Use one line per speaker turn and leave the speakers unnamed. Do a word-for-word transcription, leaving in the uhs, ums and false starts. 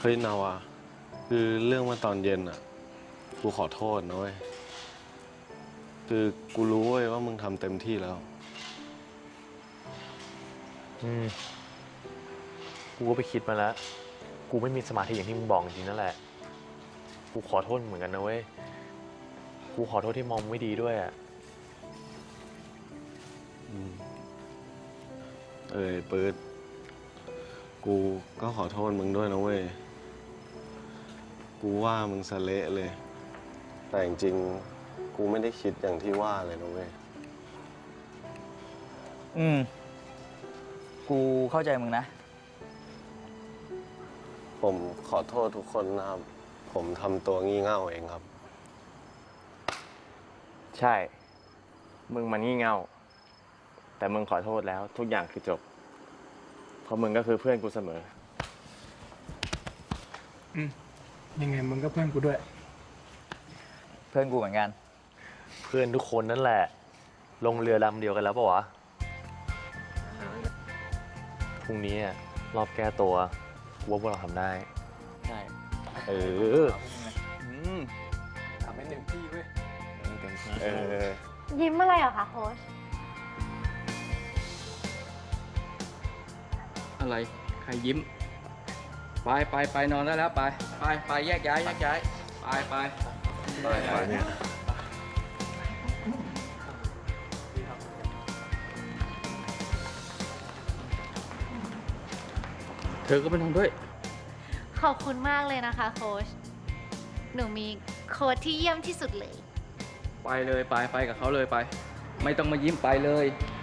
เฮ้ยนาวาคือเรื่องเมื่อตอนเย็นอ่ะกูขอโทษนะเว้ยคือกูรู้เว้ยว่ามึงทำเต็มที่แล้ว
อืมกูก็ไปคิดมาแล้ว กูไม่มีสมาธิอย่างที่มึงบอกจริงๆนั่นแหละ กูขอโทษเหมือนกันนะเว้ย กูขอโทษที่มองไม่ดีด้วยอ่ะ
อืมเอ้ยปื๊ดกูก็ขอโทษมึงด้วยนะเว้ยกูว่ามึงสะเละเลย แต่จริงๆกูไม่ได้คิดอย่างที่ว่าเลยนะเว้ย
อืม กูเข้าใจมึงนะ
ผมขอโทษทุกคนนะครับ ผมทำตัวงี่เง่าเองครับ
ใช่ มึงมันงี่เง่า แต่มึงขอโทษแล้วทุกอย่างคือจบ เพราะมึงก็คือเพื่อนกูเสมอ
อืมยังไงมึงก็เพื่อนกูด้วย
เพื่อนกูเหมือนกัน
เพื่อนทุกคนนั่นแหละ ลงเรือลำเดียวกันแล้วปะวะ พรุ่งนี้อะรอบแก้ตัวกูว่าพวกเราทำได้
ใช่
เออ
อืมทำให้เต็มที่เว้ย
เออ
ยิ้มอะไรเหรอคะโค้ช
อะไร ใครยิ้ม ไปไปไปนอนได้แล้ว ไป ไปไปแยกย้ายแยกย้าย ไปไปไปไปเนี่ยเธอก็ไปนอนด้วย
ขอบคุณมากเลยนะคะโค้ช หนูมีโค้ชที่เยี่ยมที่สุดเลย
ไปเลยไปไปกับเขาเลยไป ไม่ต้องมายิ้มไปเลย ไ